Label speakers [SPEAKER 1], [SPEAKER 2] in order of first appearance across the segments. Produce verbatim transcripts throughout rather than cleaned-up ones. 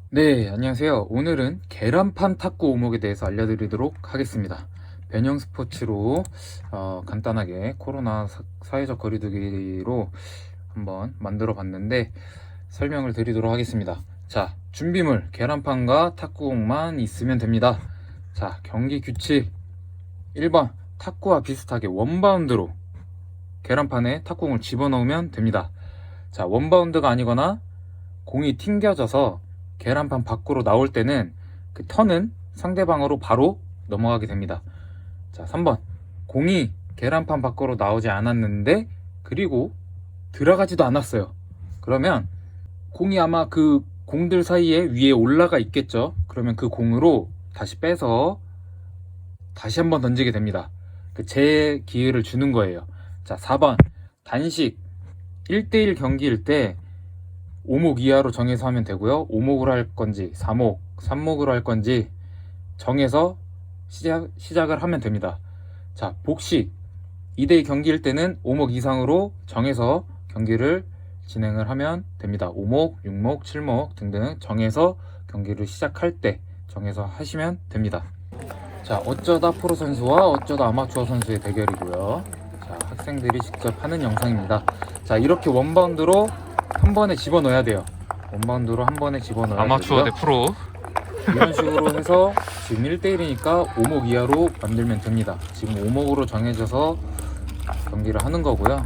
[SPEAKER 1] 네, 안녕하세요. 오늘은 계란판 탁구 오목에 대해서 알려드리도록 하겠습니다. 변형 스포츠로 어, 간단하게 코로나 사, 사회적 거리두기로 한번 만들어 봤는데 설명을 드리도록 하겠습니다. 자, 준비물 계란판과 탁구공만 있으면 됩니다. 자, 경기 규칙 일 번 탁구와 비슷하게 원바운드로 계란판에 탁구공을 집어넣으면 됩니다. 자, 원바운드가 아니거나 공이 튕겨져서 계란판 밖으로 나올 때는 그 턴은 상대방으로 바로 넘어가게 됩니다. 자, 삼 번 공이 계란판 밖으로 나오지 않았는데 그리고 들어가지도 않았어요. 그러면 공이 아마 그 공들 사이에 위에 올라가 있겠죠. 그러면 그 공으로 다시 빼서 다시 한번 던지게 됩니다. 그 재 기회를 주는 거예요. 자, 사 번 단식 일 대 일 경기일 때 오목 이하로 정해서 하면 되고요. 오목으로 할 건지 사목, 삼목으로 할 건지 정해서 시작, 시작을 하면 됩니다. 자, 복식 이 대 이 경기일 때는 오목 이상으로 정해서 경기를 진행을 하면 됩니다. 오목, 육목, 칠목 등등 정해서 경기를 시작할 때 정해서 하시면 됩니다. 자, 어쩌다 프로 선수와 어쩌다 아마추어 선수의 대결이고요. 자, 학생들이 직접 하는 영상입니다. 자, 이렇게 원바운드로 한 번에 집어넣어야 돼요. 원바운드로 한 번에 집어넣어야
[SPEAKER 2] 아마추어
[SPEAKER 1] 되고요.
[SPEAKER 2] 대 프로.
[SPEAKER 1] 이런 식으로 해서 지금 일 대 일이니까 오목 이하로 만들면 됩니다. 지금 오목으로 정해져서 경기를 하는 거고요.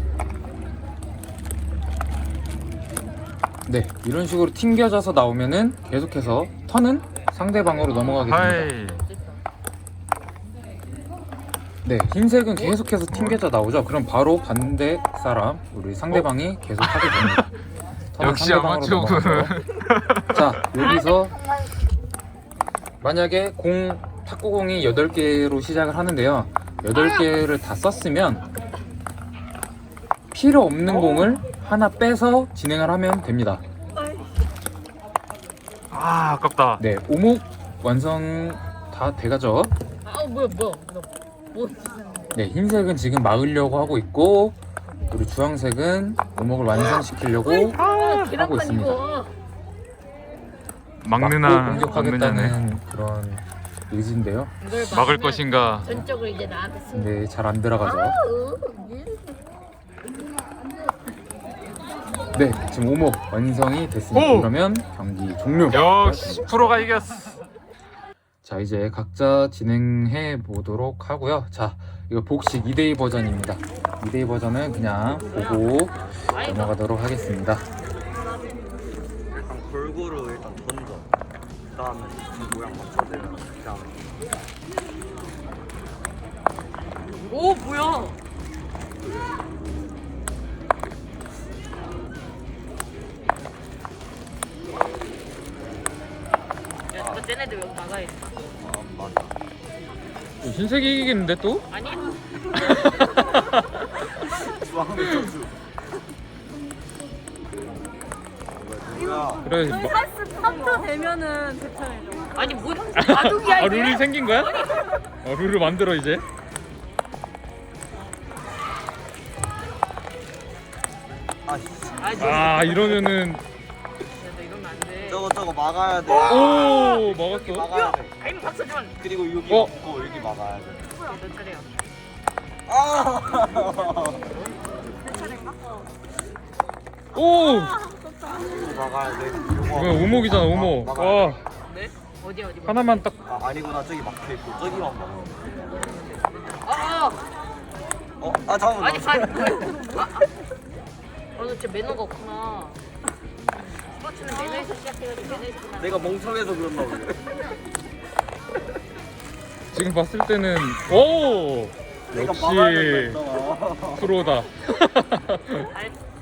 [SPEAKER 1] 네, 이런 식으로 튕겨져서 나오면은 계속해서 턴은 상대방으로 넘어가게 됩니다.
[SPEAKER 2] 하이.
[SPEAKER 1] 네, 흰색은 계속해서 튕겨져 나오죠. 그럼 바로 반대 사람, 우리 상대방이 계속 하게 됩니다. 턴은
[SPEAKER 2] 역시
[SPEAKER 1] 상대방으로
[SPEAKER 2] 아마추어분.
[SPEAKER 1] 넘어가죠. 자, 여기서 만약에 공 탁구공이 여덟 개로 시작을 하는데요. 여덟 개를 다 썼으면 필요 없는 공을 하나 빼서 진행을 하면 됩니다.
[SPEAKER 2] 아, 아깝다.
[SPEAKER 1] 네, 오목 완성 다 돼가죠.
[SPEAKER 3] 아 뭐야 뭐야 너 뭐
[SPEAKER 1] 네, 흰색은 지금 막으려고 하고 있고, 그리고 주황색은 오목을 완성시키려고 하고 있습니다.
[SPEAKER 2] 막느나
[SPEAKER 1] 막고
[SPEAKER 2] 막느냐네.
[SPEAKER 1] 공격하겠다는 그런 의지인데요.
[SPEAKER 2] 막을 것인가?
[SPEAKER 3] 전적으로 이제 나한테 쓰는
[SPEAKER 1] 근데 잘 안 들어가죠. 네, 지금 오목 완성이 됐습니다.
[SPEAKER 2] 오!
[SPEAKER 1] 그러면 경기 종료.
[SPEAKER 2] 역시 프로가 이겼어.
[SPEAKER 1] 자, 이제 각자 진행해 보도록 하고요. 자, 이거 복식 이 대 이 버전입니다. 이 대 이 버전은 그냥 보고 넘어가도록 하겠습니다.
[SPEAKER 4] 일단 골고루 일단 던져. 그다음에 이 모양 맞춰주면 그냥
[SPEAKER 3] 오 뭐야 야 저거 쟤네들 여기 나가야겠다
[SPEAKER 4] 아 맞아.
[SPEAKER 1] 흰색이 이기겠는데 또?
[SPEAKER 3] 아니
[SPEAKER 4] 주황색 점수. 누구야?
[SPEAKER 1] 그래.
[SPEAKER 5] 저희
[SPEAKER 1] 뭐,
[SPEAKER 5] 할수 파트 되면은 대처해줘.
[SPEAKER 3] 아니 뭐 바둑이야
[SPEAKER 1] 아,
[SPEAKER 3] 이게
[SPEAKER 1] 룰이 생긴 거야? 어, 룰을 만들어 이제.
[SPEAKER 4] 아씨.
[SPEAKER 3] 아니 너
[SPEAKER 1] 아, 이러면은
[SPEAKER 3] 너 이러면 안돼
[SPEAKER 4] 저거 저거 막아야 돼.
[SPEAKER 1] 오, 먹었어.
[SPEAKER 4] 막아야 돼.
[SPEAKER 3] 아임 박서준
[SPEAKER 4] 그리고 여기
[SPEAKER 1] 어?
[SPEAKER 4] 막고 여기 막아야 돼.
[SPEAKER 3] 너 차례야
[SPEAKER 4] 아.
[SPEAKER 1] 오!
[SPEAKER 4] 여기 막아야 돼.
[SPEAKER 1] 이거 오목이잖아, 오목.
[SPEAKER 4] 막- 막아야
[SPEAKER 1] 와,
[SPEAKER 4] 돼.
[SPEAKER 3] 네? 어디 어디
[SPEAKER 1] 하나만 딱.
[SPEAKER 4] 아 아니구나 저기 막혀 있고 저기만 막으면 돼.
[SPEAKER 3] 아아
[SPEAKER 4] 어? 아 잠깐만.
[SPEAKER 3] 아니 아니 뭐야 아, 아. 어, 너 진짜 매너가 없구나 스포츠는 매너에서 시작해가지고 매너에서 끝나
[SPEAKER 4] 내가 멍청해서 그런가 보네.
[SPEAKER 1] 지금 봤을 때는 오!
[SPEAKER 4] 내가 막아야 된다
[SPEAKER 1] 역시
[SPEAKER 4] 했잖아.
[SPEAKER 1] 프로다.
[SPEAKER 3] 알-